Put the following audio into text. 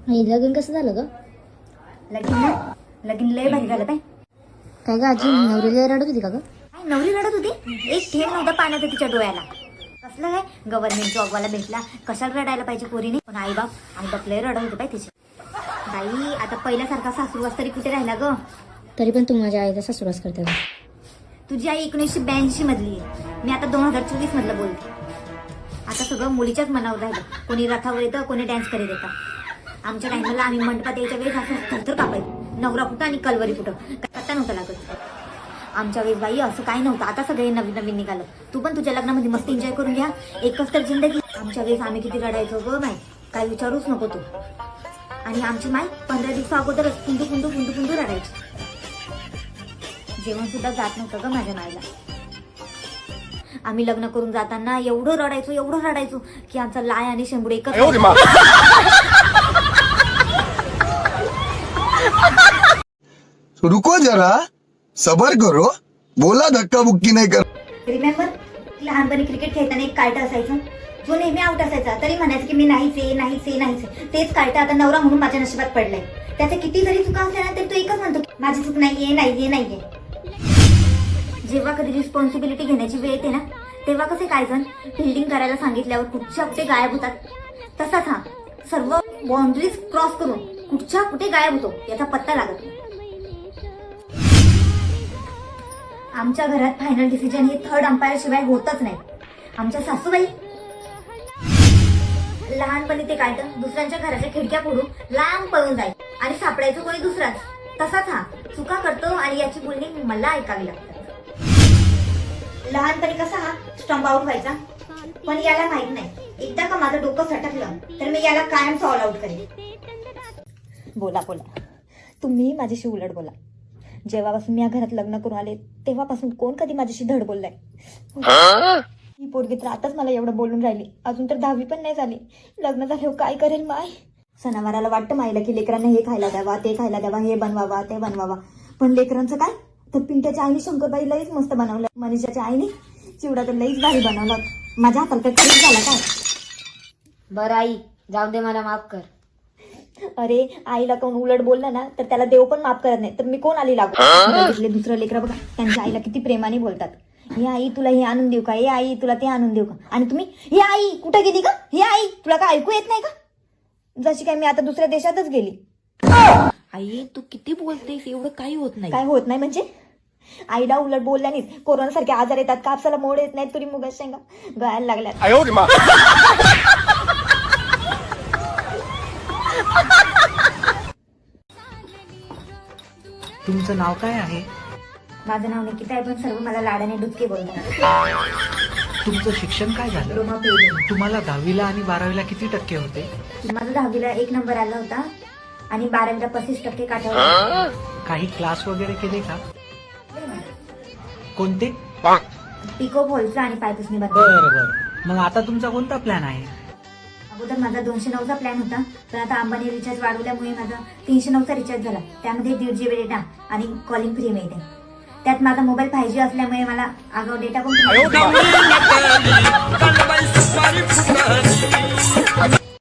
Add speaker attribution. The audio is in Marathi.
Speaker 1: आई लगीन कसं झालं ग?
Speaker 2: लगीन लय भारी झालं बाई.
Speaker 1: काय ग आजी नवरीला रडत होती का ग?
Speaker 2: काय नवरी रडत होती? एक थेंब नव्हता पाण्याचा तिच्या डोळ्याला. कसलं काय गव्हर्नमेंट जॉबवाला भेटला, कशाला रडायला पाहिजे पोरीने? पण आई बाप लय रडत होते बाई तिचे. बाई आता पहिल्यासारखा सासूरवास तरी कुठे राहिला ग?
Speaker 1: तरी पण तू माझ्या आईचा सासूरवास करते का?
Speaker 2: तुझी आई 1982 मधली आहे, मी आता 2024 मधलं बोलते. आता सगळं मुलीच्याच मनावर राहिलं. कोणी रथावर येतं, कोणी डान्स करीत येतं. आमच्या टाइमला आम्ही मंडपात यायच्या वेळेस असं थरथर कापायचं. नवरा कुठं आणि कलवरी कुठं पत्ता नव्हता लागत. आमच्या वेळेस बाई असं काही नव्हतं. आता सगळे नवीन नवीन निघालं. तू पण तुझ्या लग्नामध्ये मस्त एन्जॉय करून घ्या. एकच तर जिंदगी. आमच्या वेळेस आम्ही किती रडायचो ग बाई, काय विचारूच नको तू. आणि आमची माई 15 दिवसा अगोदरच कुंडू रडायची. जेवण सुद्धा जात नव्हतं ग माझ्या माईला. आम्ही लग्न करून जाताना एवढं रडायचो की आमचा लाय आणि शेंबूड एकच.
Speaker 3: रुको जरा सबर करो, बोला धक्का बुक्की नाही कर.
Speaker 2: रिमेंबर लहानपणी क्रिकेट खेळताना एक कार्ट असायचं, जो नेहमी आउट असायचा तरी म्हणायचं की मी नाहीच. तेच कार्ट आता नवरा म्हणून माझ्या नशिबात पडलंय. त्याच्या किती जरी चुका असल्या ना तरी तो एकच म्हणतो की माझी चूक नाहीये. जेव्हा कधी रिस्पॉन्सिबिलिटी घेण्याची वेळ येते ना, तेव्हा कसे काय जण फिल्डिंग करायला सांगितल्यावर कुठच्या कुठे गायब होतात, तसाच हा सर्व बाउंड्रीज क्रॉस करून कुठच्या कुठे गायब होतो याचा पत्ता लागत नाही. आमच्या घरात फायनल डिसिजन हे थर्ड अंपायर शिवाय होतच नाही. आमच्या सासूबाई लहानपणी ते काय तर दुसऱ्यांच्या घराच्या खिडक्या फोडून लांब पळून जाईल आणि सापडायचं कोणी दुसराच. तसाच हा चुका करतो आणि याची बोलणी मला ऐकावी लागतात. लहानपणी कसा हा स्टंप आउट व्हायचा, पण याला माहित नाही एकदा का माझं डोकं सटकलं तर मी याला कायम ऑल आउट करेन. बोला तुम्ही माझ्याशी उलट बोला. जेव्हापासून मी या घरात लग्न करून आले तेव्हापासून कोण कधी माझ्याशी धड बोललाय? ही पोरगी तर आताच मला एवढं बोलून राहिली, अजून तर 10वी पण नाही झाली. लग्न झाल्यावर काय करेल माय? सणावाराला वाटतं मायला की लेकरांना हे खायला द्यावा, ते खायला द्यावा, हे बनवावा, ते बनवावा. पण लेकरांचं काय? तर पिंट्याच्या आईने शंकरबाई लईच मस्त बनवलं. मनीषाच्या आईने चिवडा तर लईच भारी बनवला. माझ्या हाताला तर खरीच झाला काय?
Speaker 1: बरं आई जाऊ दे, मला माफ कर.
Speaker 2: अरे आईला कोण उलट बोललं ना तर त्याला देव पण माफ करत नाही, तर मी कोण आली लागू? दुसरं लेकरं बघा त्यांच्या आईला किती प्रेमाने बोलतात. हे आई तुला हे आणून देऊ का, हे आई तुला ते आणून देऊ का? आणि तुम्ही हे आई कुठं गेली का, हे आई तुला काय ऐकू येत नाही का? जशी काय मी आता दुसऱ्या देशातच गेली.
Speaker 4: आई तू किती बोलतेस, एवढं काही होत नाही.
Speaker 2: काय होत नाही म्हणजे? आईला उलट बोलल्यानेच कोरोना सारखे आजार येतात, कापसाला मोड येत नाहीत, तुरी मुगाच्या शेंगा गळायला लागल्यात.
Speaker 5: तुमचं नाव काय आहे?
Speaker 2: माझं नाव निकिता आहे, पण सर्व मला लाडाने डुचके बोलतात.
Speaker 5: तुमचं शिक्षण काय झालं?
Speaker 2: डिप्लोमा पेड.
Speaker 5: तुम्हाला 10वीला आणि 12वीला किती टक्के होते?
Speaker 2: माझं 10वीला 1 नंबर आला होता आणि 12वीला 35% काठावर.
Speaker 5: काही क्लास वगैरे केले का? कोणते?
Speaker 2: पिको फॉलचा आणि पायपुसणी बनवली.
Speaker 5: बरं. मग आता तुमचा कोणता प्लॅन आहे?
Speaker 2: अगोदर माझा 209चा प्लॅन होता, पण आता अंबानी रिचार्ज वाढवल्यामुळे माझा 309चा रिचार्ज झाला. त्यामध्ये 1.5 GB डेटा आणि कॉलिंग फ्री मिळते. त्यात माझा मोबाईल 5G असल्यामुळे मला आगाऊ डेटा पण